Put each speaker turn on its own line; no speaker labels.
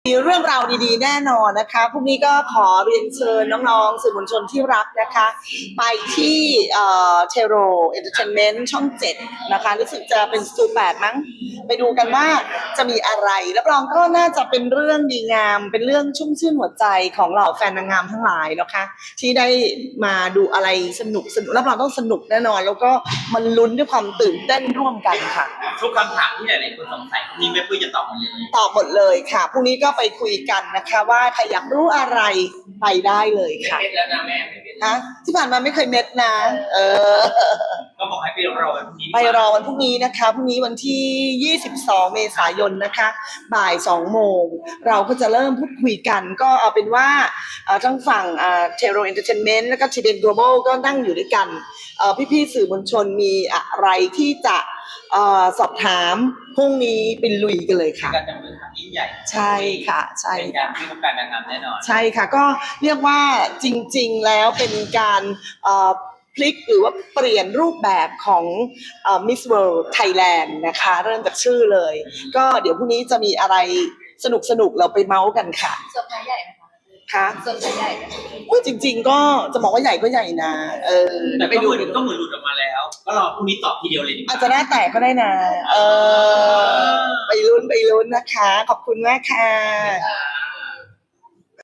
มีเรื่องราวดีๆแน่นอนนะคะพรุ่งนี้ก็ขอเรียนเชิญน้องๆสื่อมวลชนที่รักนะคะไปที่เทโรเอนเตอร์เทนเมนต์ช่อง7นะคะรู้สึกจะเป็นสตู8มั้งไปดูกันว่าจะมีอะไรรับรองก็น่าจะเป็นเรื่องดีงามเป็นเรื่องชุ่มชื่นหัวใจของเหล่าแฟนนางงามทั้งหลายนะคะที่ได้มาดูอะไรสนุกรับรองต้องสนุกแน่นอนแล้วก็มันลุ้นด้วยความตื่นเต้นร่วมกันค่ะ
ทุกคำถามที่หลายๆคนสงสัยนี่แม่ปุ้ยจะตอบหมดเลย
ตอบหมดเลยค่ะพรุ่งนี้ก็ไปคุยกันนะคะว่าใครอยากรู้อะไรไปได้เลยค่ะ
เม็ดแล้วนะแม่ไม่เม็ด
ฮะที่ผ่านมาไม่เคยเม็ดนะ
ก็บอกให้ไปรอวันพรุ่งนี้
ไปรอวันพรุ่งนี้นะคะพรุ่งนี้วันที่22เมษายนนะคะบ่าย2 โมงเราก็จะเริ่มพูดคุยกันก็เอาเป็นว่าทั้งฝั่งเทโรเอนเตอร์เทนเมนต์แล้วก็ทีเดนโกลบอลก็นั่งอยู่ด้วยกันพี่ๆสื่อมวลชนมีอะไรที่จะสอบถามพรุ่งนี้ไปลุยกันเลยค่ะ
การจับมือทำยิ่งใหญ่
ใช่ค่ะใช่
เป็นการที่วงการนางงามแน่นอน
ใช่ค่ะก็เรียกว่าจริงๆแล้วเป็นการพลิกหรือว่าเปลี่ยนรูปแบบของMiss World Thailand นะคะเริ่มจากชื่อเลยก็เดี๋ยวพรุ่งนี้จะมีอะไรสนุกๆเราไปเมาส์กันค่ะ
เซอร์ไพรส์ใหญ่ไหมคะ
ค่ะ
เซอร์ไพรส์ใหญ่ไหม
จริงๆก็จะบอกว่าใหญ่ก็ใหญ่นะ
แต่ก็เหมือนหลุดออกมาแล้วก็รอพรุ่งนี้ตอบทีเดียวเลยดีกว่า
อาจจะหน้าแตกก็ได้นะไปลุ้นนะคะขอบคุณมากค่ะ